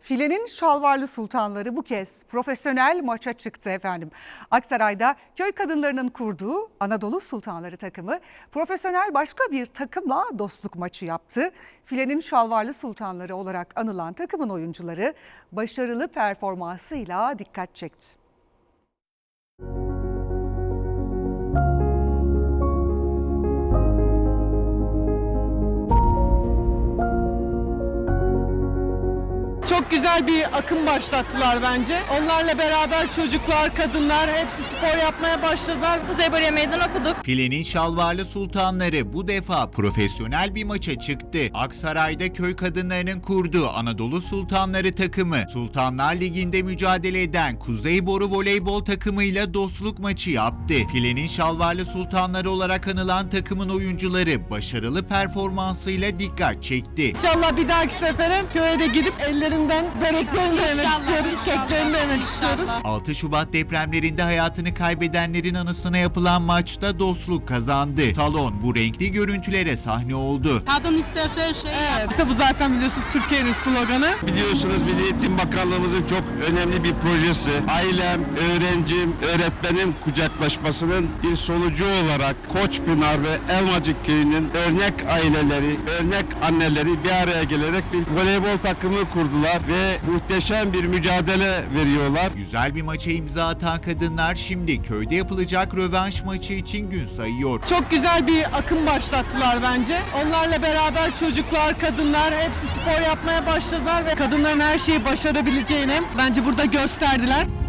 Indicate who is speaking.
Speaker 1: Filenin şalvarlı sultanları bu kez profesyonel maça çıktı efendim. Aksaray'da köy kadınlarının kurduğu Anadolu Sultanları takımı profesyonel başka bir takımla dostluk maçı yaptı. Filenin şalvarlı sultanları olarak anılan takımın oyuncuları başarılı performansıyla dikkat çekti.
Speaker 2: Çok güzel bir akım başlattılar bence. Onlarla beraber çocuklar, kadınlar hepsi spor yapmaya başladılar.
Speaker 3: Kuzey Bariye Meydan okuduk.
Speaker 4: Filenin şalvarlı sultanları bu defa profesyonel bir maça çıktı. Aksaray'da köy kadınlarının kurduğu Anadolu Sultanları takımı, Sultanlar Ligi'nde mücadele eden Kuzey Boru voleybol takımıyla dostluk maçı yaptı. Filenin şalvarlı sultanları olarak anılan takımın oyuncuları başarılı performansıyla dikkat çekti.
Speaker 2: İnşallah bir dahaki sefere köye de gidip ellerinden böreklerini yemek istiyoruz, keklerini yemek istiyoruz.
Speaker 4: 6 Şubat depremlerinde hayatını kaybedenlerin anısına yapılan maçta dostluk kazandı. Salon bu renkli görüntülere sahne oldu.
Speaker 3: Kadın isterse her şeyi
Speaker 2: Evet, işte bu zaten biliyorsunuz Türkiye'nin sloganı.
Speaker 5: Biliyorsunuz Milli Eğitim Bakanlığımızın çok önemli bir projesi. Ailem, öğrencim, öğretmenim kucaklaşmasının bir sonucu olarak Koçpınar ve Elmacık Köyü'nün örnek aileleri, örnek anneleri bir araya gelerek bir voleybol takımı kurdular ve muhteşem bir mücadele veriyorlar.
Speaker 4: Güzel bir maça imza atan kadınlar şimdi köyde yapılacak rövanş maçı için gün sayıyor.
Speaker 2: Çok güzel bir akım başlattılar bence. Onlarla beraber çocuklar, kadınlar hepsi spor yapmaya başladılar ve kadınların her şeyi başarabileceğini bence burada gösterdiler.